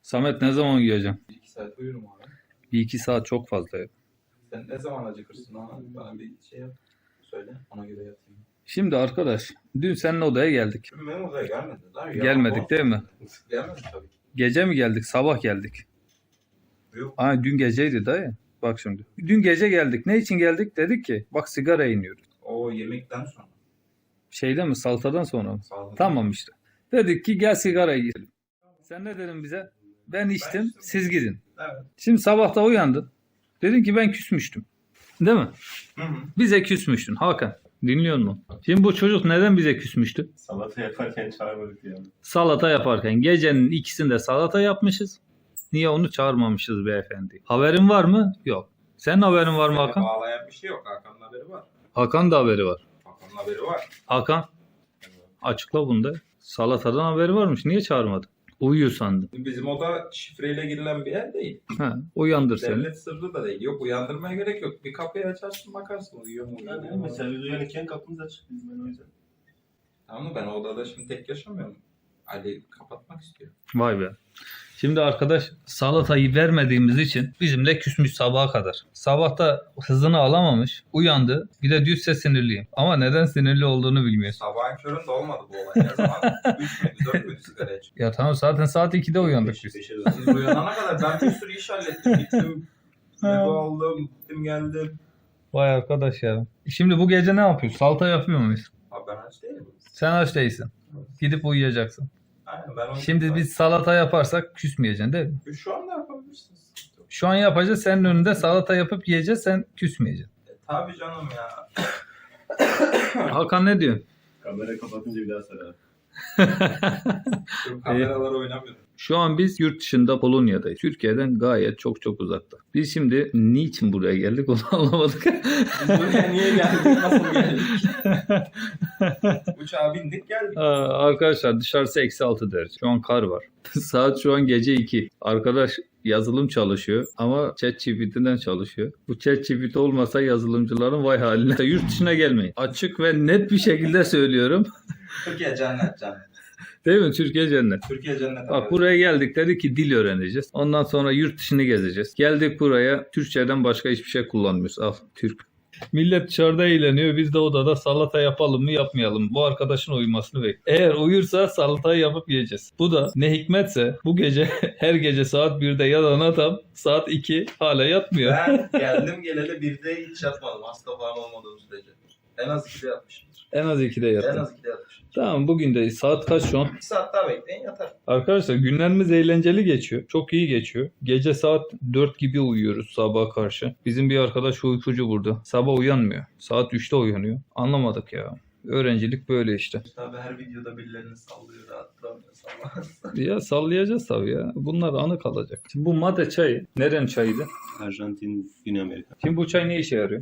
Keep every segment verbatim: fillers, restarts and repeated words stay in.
Samet ne zaman uyuyacağım? Bir iki saat uyurum abi. Bir iki saat çok fazla ya. Sen ne zaman acıkırsın ona? Bana bir şey yap. Söyle. Ona göre yatayım. Şimdi arkadaş, dün senin odaya geldik. Şimdi benim odaya gelmedi. Lan, Gelmedik değil mi? Gelmedi tabii ki. Gece mi geldik, sabah geldik? Yok. Aa, dün geceydi dayı. Bak şimdi. Dün gece geldik. Ne için geldik? Dedik ki bak sigara iniyoruz. O yemekten sonra. Şeyde mi, saltadan sonra mı? Sağlık. Tamam işte. Dedik ki gel sigara yiyelim. Sen ne dedin bize? Ben içtim, içtim. siz gidin. Evet. Şimdi sabah da uyandın. Dedin ki ben küsmüştüm. Değil mi? Hı hı. Bize küsmüştün Hakan. Dinliyor musun? Şimdi bu çocuk neden bize küsmüştü? Salata yaparken çağırmadık ya. Salata yaparken gecenin ikisinde salata yapmışız. Niye onu çağırmamışız beyefendi? Haberin var mı? Yok. Senin haberin var mı Beni Hakan? bağlayan bir şey yok. Hakan'ın haberi var. Hakan da haberi var. Hakan'ın haberi var. Hakan açıkla bunda. Salatadan haberi varmış. Niye çağırmadın? Uyuyor sandım. Bizim oda şifreyle girilen bir yer değil. Ha, uyandır seni. Devlet sırrı da değil. Yok, uyandırmaya gerek yok. Bir kapıyı açarsın bakarsın uyuyor mu uyuyor Yani mu. mesela biz uyanırken kapımız açık bizim ben o yüzden. Tamam mı? Ben o odada şimdi tek yaşamıyorum. Ali kapatmak istiyor. Vay be. Şimdi arkadaş salatayı vermediğimiz için bizimle küsmüş sabaha kadar. Sabahta hızını alamamış, uyandı. Bir de diyorsa sinirliyim. Ama neden sinirli olduğunu bilmiyor. Sabahın köründe olmadı bu olay. Ne zaman? üç müydü, dört müydü sigara içmek? Ya tamam zaten saat ikide uyandık biz. Beşe dön. Siz uyanana kadar ben bir sürü iş hallettim. Gittim, meyve aldım, gittim geldim. Vay arkadaş ya. Şimdi bu gece ne yapıyoruz? Salata yapıyor muyuz? Abi ben aç değilim. Sen aç değilsin. Gidip uyuyacaksın. Aynen, ben onu Şimdi biz salata yaparsak küsmeyeceksin değil mi? Şu anda yapabilirsiniz. Şu an yapacağız. Senin önünde salata yapıp yiyeceğiz. Sen küsmeyeceksin. E, tabii canım ya. Hakan ne diyor? Kamera kapatınca bir daha sarar. Şu kameralar oynamıyorum. Şu an biz yurt dışında Polonya'dayız. Türkiye'den gayet çok çok uzakta. Biz şimdi niçin buraya geldik onu anlamadık. Biz buraya niye geldik? Nasıl geldik? Uçağa bindik geldik. Aa, arkadaşlar dışarısı eksi altı derece. Şu an kar var. Saat şu an gece iki. Arkadaş yazılım çalışıyor ama ChatGPT'den çalışıyor. Bu ChatGPT olmasa yazılımcıların vay haline. Yurt dışına gelmeyin. Açık ve net bir şekilde söylüyorum. Türkiye cennet cennet. Değil mi? Türkiye cennet. Türkiye cennet. Bak buraya geldik dedik ki dil öğreneceğiz. Ondan sonra yurt dışını gezeceğiz. Geldik buraya Türkçeden başka hiçbir şey kullanmıyoruz. Al Türk. Millet dışarıda eğleniyor. Biz de odada salata yapalım mı yapmayalım mı? Bu arkadaşın uyumasını bekliyor. Eğer uyursa salatayı yapıp yiyeceğiz. Bu da ne hikmetse bu gece her gece saat birde yatan adam saat iki hala yatmıyor. Ben geldim geleli birde hiç yatmadım. Hasta falan olmadığım sürece. En az ikide yatmışımdır. En az ikide En yattı. az ikide yatmışım. Tamam bugün de saat kaç şu an? Bir saat daha bekleyin yatarım. Arkadaşlar günlerimiz eğlenceli geçiyor. Çok iyi geçiyor. Gece saat dört gibi uyuyoruz sabaha karşı. Bizim bir arkadaş uykucu burada. Sabah uyanmıyor. Saat üçte uyanıyor. Anlamadık ya. Öğrencilik böyle işte. Tabii her videoda birilerini sallıyor, rahat duramıyor sallamaz. Ya sallayacağız tabii ya. Bunlar anı kalacak. Şimdi bu mate çayı. Nerenin çayıydı? Arjantin, Güney Amerika. Şimdi bu çay ne işe yarıyor?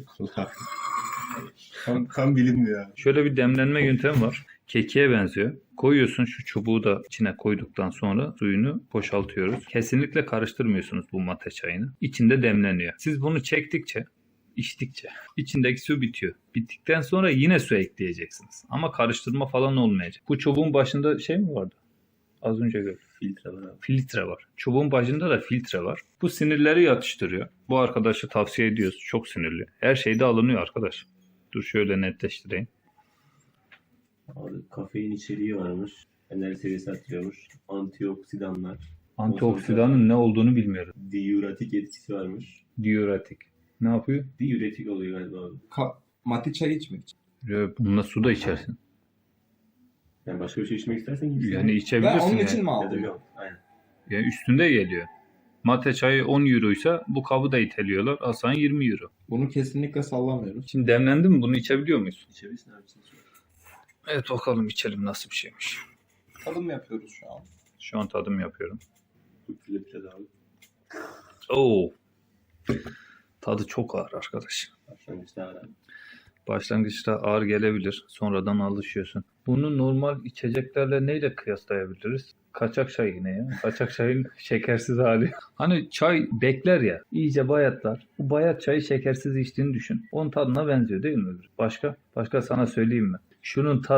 tam, tam bilinmiyor ya. Şöyle bir demlenme yöntemi var. Kekiğe benziyor. Koyuyorsun şu çubuğu da içine koyduktan sonra suyunu boşaltıyoruz. Kesinlikle karıştırmıyorsunuz bu mate çayını. İçinde demleniyor. Siz bunu çektikçe, içtikçe içindeki su bitiyor. Bittikten sonra yine su ekleyeceksiniz. Ama karıştırma falan olmayacak. Bu çubuğun başında şey mi vardı? Az önce gördüm. Filtre var abi. Filtre var. Çubuğun başında da filtre var. Bu sinirleri yatıştırıyor. Bu arkadaşı tavsiye ediyoruz. Çok sinirli. Her şeyde alınıyor arkadaş. Dur şöyle netleştireyim. Abi kafein içeriği varmış. Enerji seviyesi artırıyormuş. Antioksidanlar. Antioksidanın ne olduğunu bilmiyorum. Diüretik etkisi varmış. Diüretik. Ne yapıyor? Diüretik oluyor galiba abi. Ka- mati çay içmek için. Ya bununla su da içersin. Yani başka bir şey içmek istersen gitsin. Yani Ben içebilirsin. onun yani. için mi Ya da aldım? yok. Aynen. Yani üstünde geliyor. Mate çayı on euroysa bu kabı da iteliyorlar. Asan yirmi euro. Bunu kesinlikle sallamıyoruz. Şimdi demlendi mi? Bunu içebiliyor muyuz? İçebilirsin abi. Sen söyle. Evet bakalım içelim nasıl bir şeymiş. Tadım yapıyoruz şu an. Şu an tadım yapıyorum. Bu filtre abi. Oo. Tadı çok ağır arkadaş. Başlangıçta abi. Başlangıçta ağır gelebilir. Sonradan alışıyorsun. Bunu normal içeceklerle neyle kıyaslayabiliriz? Kaçak çay yine ya. Kaçak çayın şekersiz hali. Hani çay bekler ya. İyice bayatlar. Bu bayat çayı şekersiz içtiğini düşün. Onun tadına benziyor değil mi? Başka? Başka sana söyleyeyim mi? Şunun tadı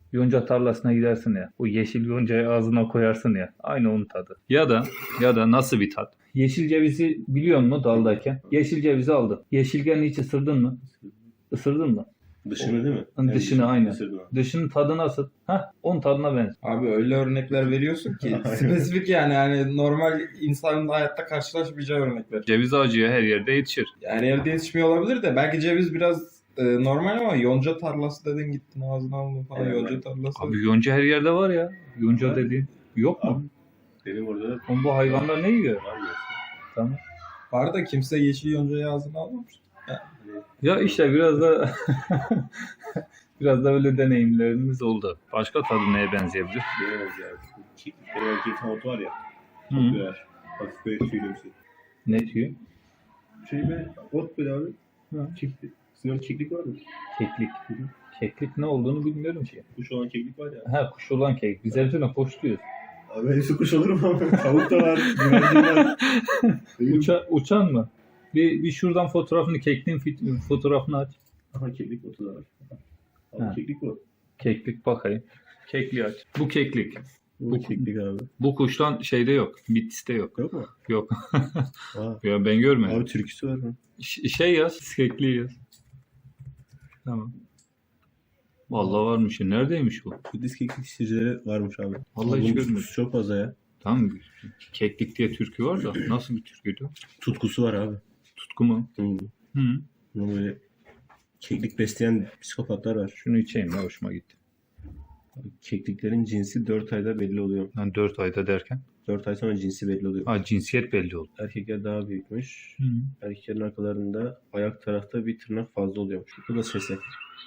Yonca tarlasına gidersin ya. O yeşil yoncayı ağzına koyarsın ya. Aynı onun tadı. Ya da ya da nasıl bir tat? Yeşil cevizi biliyor musun daldayken? Yeşil cevizi aldın. Yeşilgenin hiç ısırdın mı? Isırdın mı? Dışını değil mi? Dışını, dışını aynen. ısırdım. Dışının tadı nasıl? Hah, onun tadına benziyor. Abi öyle örnekler veriyorsun ki spesifik yani yani normal insanın hayatta karşılaşmayacağı örnekler. Ceviz ağacı her yerde yetişir. Yani evde yetişmiyor olabilir de belki ceviz biraz e, normal ama yonca tarlası dedin gittin ağzına aldın falan Evet. yonca tarlası. Abi yonca her yerde var ya. Yonca Evet. dediğin yok mu? Benim orada da Oğlum bu hayvanlar ne yiyor? var mı? Tamam. Var da kimse yeşil yoncayı ağzına almamış. Ya işte biraz da biraz da öyle deneyimlerimiz oldu. Başka tadı neye benzeyebilir? Bilemez ya. Keklikleri var, kekik havutu var ya. Hı. Çok güzel. Hafif böyle tüylü bir şey. Ne diyor? Şey be, ot böyle abi. Hı. Keklik. Sizin orada keklik var mı? Keklik. Keklik ne olduğunu bilmiyorum ki. Kuş olan keklik var ya. Ha kuş olan kek. Biz hepsine koş diyoruz. Abi hepsi kuş olur mu? Tavuk da var, güvercin var. Uça, uçan mı? Bir, bir şuradan fotoğrafını, kekliğin fit- fotoğrafını aç. Aha keklik otu da var. Abi Ha. keklik bu. Keklik bakayım. Kekliği aç. Bu keklik. Bu keklik abi. Bu kuştan şeyde yok. Bitlis'te yok. Yok mu? Yok. Aa. Ya ben görmedim. Abi türküsü var mı? Ş- şey yaz. Kekliği yaz. Tamam. Vallahi varmış ya. Neredeymiş bu? Budist keklik şişeleri varmış abi. Vallahi hiç Bunun görmedim. tutkusu çok fazla ya. Tamam. Keklik diye türkü var da nasıl bir türküydü? Tutkusu var abi. Tutku mu? Hı. Hı. Bunu böyle keklik besleyen psikopatlar var. Şunu içeyim ya hoşuma gitti. Kekliklerin cinsi dört ayda belli oluyor. Yani dört ayda derken. dört ay sonra cinsi belli oluyor. Ha cinsiyet belli oldu. Erkekler daha büyükmüş. Hı. Erkeklerin arkalarında ayak tarafta bir tırnak fazla oluyormuş. Bu da sesi.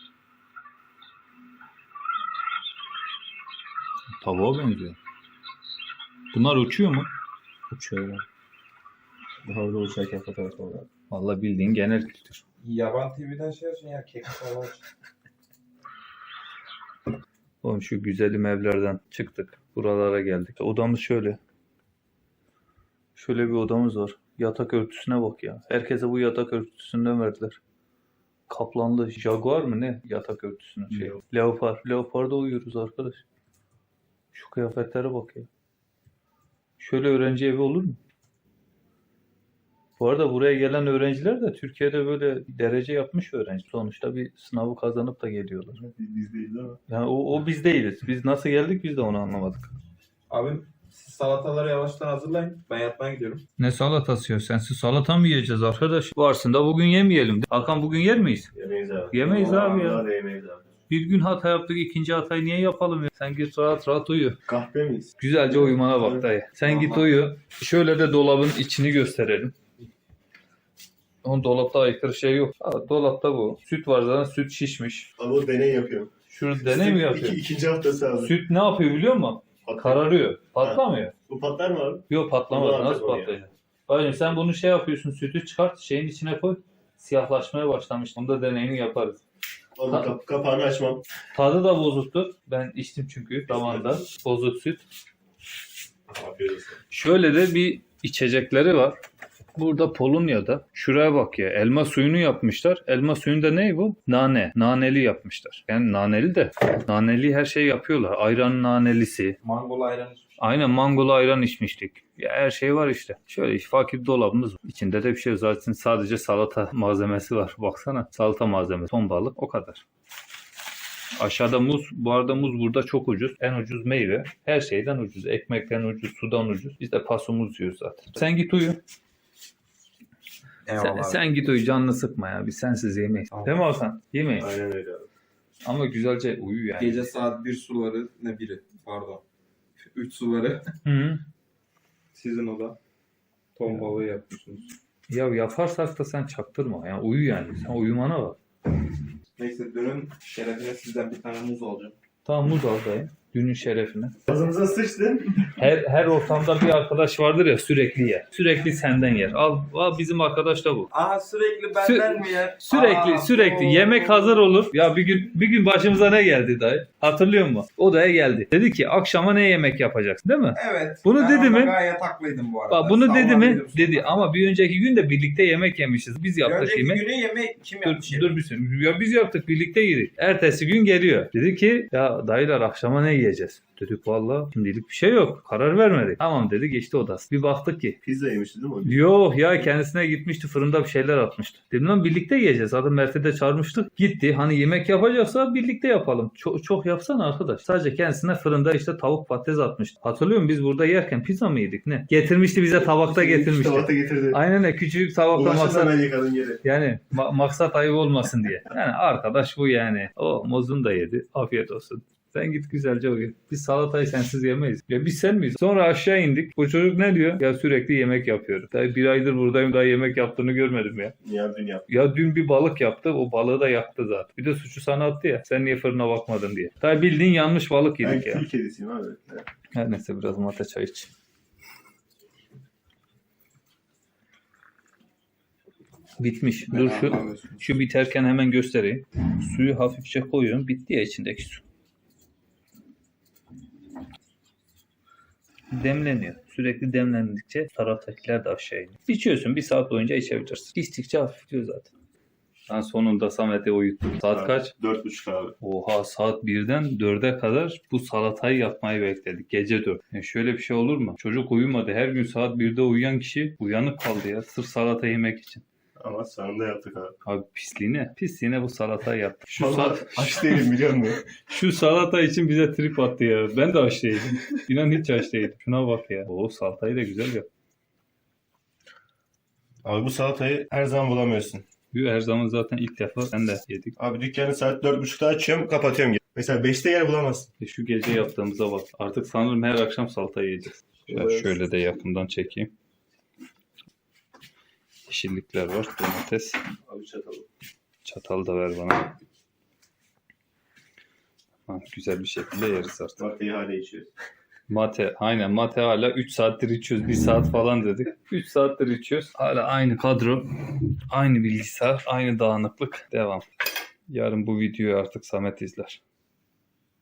Tavuğa benziyor. Bunlar uçuyor mu? Uçuyor. Daha orada uçarken fotoğraf var. Vallahi bildiğin genel kültür. Yaban T V'den şey açın ya kek falan. Oğlum şu güzelim evlerden çıktık. Buralara geldik. Odamız şöyle. Şöyle bir odamız var. Yatak örtüsüne bak ya. Herkese bu yatak örtüsünden verdiler. Kaplanlı jaguar mı ne? Yatak örtüsünün şey. Yok. Leopar. Leoparda uyuyoruz arkadaş. Şu kıyafetlere bak ya. Şöyle öğrenci evi olur mu? Bu arada buraya gelen öğrenciler de Türkiye'de böyle derece yapmış öğrenci. Sonuçta bir sınavı kazanıp da geliyorlar. Biz değiliz ama. Yani o, o biz değiliz. Biz nasıl geldik biz de onu anlamadık. Abim siz salataları yavaştan hazırlayın. Ben yatmaya gidiyorum. Ne salatası ya? Sensiz salata mı yiyeceğiz arkadaş? Varsın da bugün yemeyelim. Hakan bugün yer miyiz? Yemeyiz abi. Yemeyiz abi ya. Vallahi da yemeyiz abi. Bir gün hata yaptık, ikinci hatayı niye yapalım ya? Sen git rahat rahat uyu. Kahpe miyiz? Güzelce uyumana bak dayı. Sen git uyu. Şöyle de dolabın içini gösterelim. Onun dolapta aykırı şey yok. Ha, dolapta bu. Süt var zaten, süt şişmiş. Abi o deney yapıyor. Şunu deney mi yapıyor? İki, ikinci haftası abi. Süt ne yapıyor biliyor musun? Patlar. Kararıyor. Patlamıyor. Bu patlar mı abi? Yok patlamaz. Ulan Nasıl tabii ya. patlayacak? Bacım sen bunu şey yapıyorsun. Sütü çıkart. Şeyin içine koy. Siyahlaşmaya başlamış. Bunu da deneyini yaparız. Oğlum Ha. kap kapağını açmam. Tadı da bozuktu. Ben içtim çünkü damanda. Bozuk süt. Afiyet olsun. Şöyle de bir içecekleri var. Burada Polonya'da. Şuraya bak ya. Elma suyunu yapmışlar. Elma suyunda ne bu? Nane. Naneli yapmışlar. Yani naneli de. Naneli her şey yapıyorlar. Ayran nanelisi. Mangol ayran içmiş. Aynen mangolu ayran içmiştik. Ya her şey var işte. Şöyle fakir dolabımız var. İçinde de bir şey yok. Zaten sadece salata malzemesi var. Baksana salata malzemesi. Ton balık o kadar. Aşağıda muz. Bu arada muz burada çok ucuz. En ucuz meyve. Her şeyden ucuz. Ekmekten ucuz. Sudan ucuz. Biz de paso muz yiyoruz zaten. Sen git uyu. Sen, Eyvallah. sen git uyu. Canını sıkma ya. Biz sensiz yemeyiz. Tamam. Değil mi Hakan? Yemeyiz. Aynen öyle abi. Ama güzelce uyu yani. Gece saat bir suları ne biri pardon. üç suları Hı -hı. sizin oda. Ton balığı yapmışsınız. Ya yaparsak da sen çaktırma. Yani uyu yani. Sen uyumana bak. Neyse dönün şerefine sizden bir tane muz alacağım. Tamam muz al dayı. Günün şerefine. Ağzımıza sıçtın. Her her ortamda bir arkadaş vardır ya sürekli yer. Sürekli senden yer. Al, al bizim arkadaş da bu. Aa sürekli benden Sü- mi yer? Sürekli Aa, sürekli oo. yemek hazır olur. Ya bir gün bir gün başımıza ne geldi dayı? Hatırlıyor musun? Odaya geldi. Dedi ki akşama ne yemek yapacaksın değil mi? Evet. Bunu ben dedi orada mi? Gayet haklıydım bu arada. Bak bunu dedi mi? Sallanıyordum Dedi sonra. ama bir önceki gün de birlikte yemek yemişiz. Biz Bir yaptık önceki yemek. günü yemek kim Dur, yapmış? dur bir saniye. Ya biz yaptık birlikte yedik. Ertesi gün geliyor. Dedi ki ya dayılar akşama ne yiyeceğiz? Dedik valla şimdilik bir şey yok. Karar vermedik. Tamam dedi geçti odası. Bir baktık ki. Pizza yemişti değil mi? o? Yok ya kendisine gitmişti fırında bir şeyler atmıştı. Dedim lan birlikte yiyeceğiz. Zaten Mert'i de çağırmıştık. Gitti hani yemek yapacaksa birlikte yapalım. Çok, çok yapsana arkadaş. Sadece kendisine fırında işte tavuk patates atmıştı. Hatırlıyor musun biz burada yerken pizza mı yedik ne? Getirmişti bize tabakta getirmişti. Tabakta getirdi. Aynen öyle küçücük tabakta Ulaşın maksat. hemen yıkadım geri. Yani ma- maksat ayıp olmasın diye. Yani arkadaş bu yani. O mozunu da yedi. Afiyet olsun. Sen git güzelce uyu. Biz salatayı sensiz yemeyiz. Ya biz sen miyiz? Sonra aşağı indik. Bu çocuk ne diyor? Ya sürekli yemek yapıyorum. Daha bir aydır buradayım daha yemek yaptığını görmedim ya. Ya dün yaptım. Ya dün bir balık yaptı. O balığı da yaktı zaten. Bir de suçu sana attı ya. Sen niye fırına bakmadın diye. Daha bildiğin yanmış balık Ben yedik ya. kül kedisiyim abi. Evet. Her neyse biraz mate çay iç. Bitmiş. Dur şu şu biterken hemen göstereyim. Suyu hafifçe koyuyorum. Bitti ya içindeki su. Demleniyor. Sürekli demlendikçe taraftakiler de aşağı iniyor. İçiyorsun. Bir saat boyunca içebilirsin. İçtikçe hafifliyor zaten. Ben sonunda Samet'i uyuttum. Saat kaç? Dört buçuk abi. Oha saat birden dörde kadar bu salatayı yapmayı bekledik. Gece dört. Ya şöyle bir şey olur mu? Çocuk uyumadı. Her gün saat birde uyuyan kişi uyanık kaldı ya. Sırf salata yemek için. Ama sonunda yaptık abi. Abi pisliğine. Pisliğine bu salatayı yaptık. Şu, Vallahi sal- aç değilim biliyor musun? şu salata için bize trip attı ya. Ben de aç değilim. İnan hiç aç değilim. Şuna bak ya. O salatayı da güzel yap. Abi bu salatayı her zaman bulamıyorsun. Her zaman zaten ilk defa sen de yedik. Abi dükkanı saat dört buçukta açıyorum kapatıyorum. Mesela beşte yer bulamazsın. E şu gece yaptığımıza bak. Artık sanırım her akşam salata yiyeceğiz. Şöyle, Evet. şöyle de yakından çekeyim. Yeşillikler var. Domates. Abi çatalı. Çatal da ver bana. Ha, güzel bir şekilde yeriz artık. Mateyi hala içiyoruz. Mate. Aynen mate hala üç saattir içiyoruz. bir saat falan dedik. üç saattir içiyoruz. Hala aynı kadro. Aynı bilgisayar. Aynı dağınıklık. Devam. Yarın bu videoyu artık Samet izler.